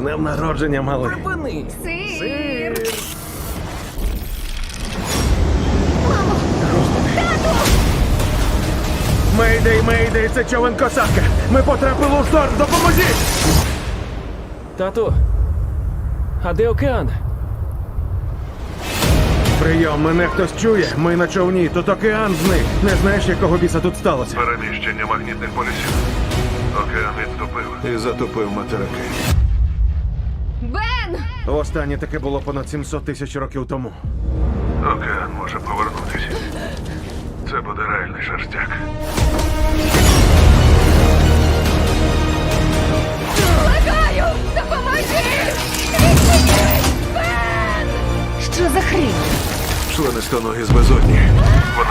днем народження, малий. Припини! Сир! Мейдей, мейдей, це човен косатка. Ми потрапили у шторм, допоможіть! Тату! А де океан? Прийом, мене хтось чує. Ми на човні, тут океан зник. Не знаєш, якого біса тут сталося? Переміщення магнітних полюсів. Океан відступив і затопив материки. Бен! Останнє таке було понад 700 тисяч років тому. Океан може повернутися. Це буде реальний шерстяк. Благаю! Допоможи! Відчиніть! Бен! Що за хрінь? Членистоногі з безодні.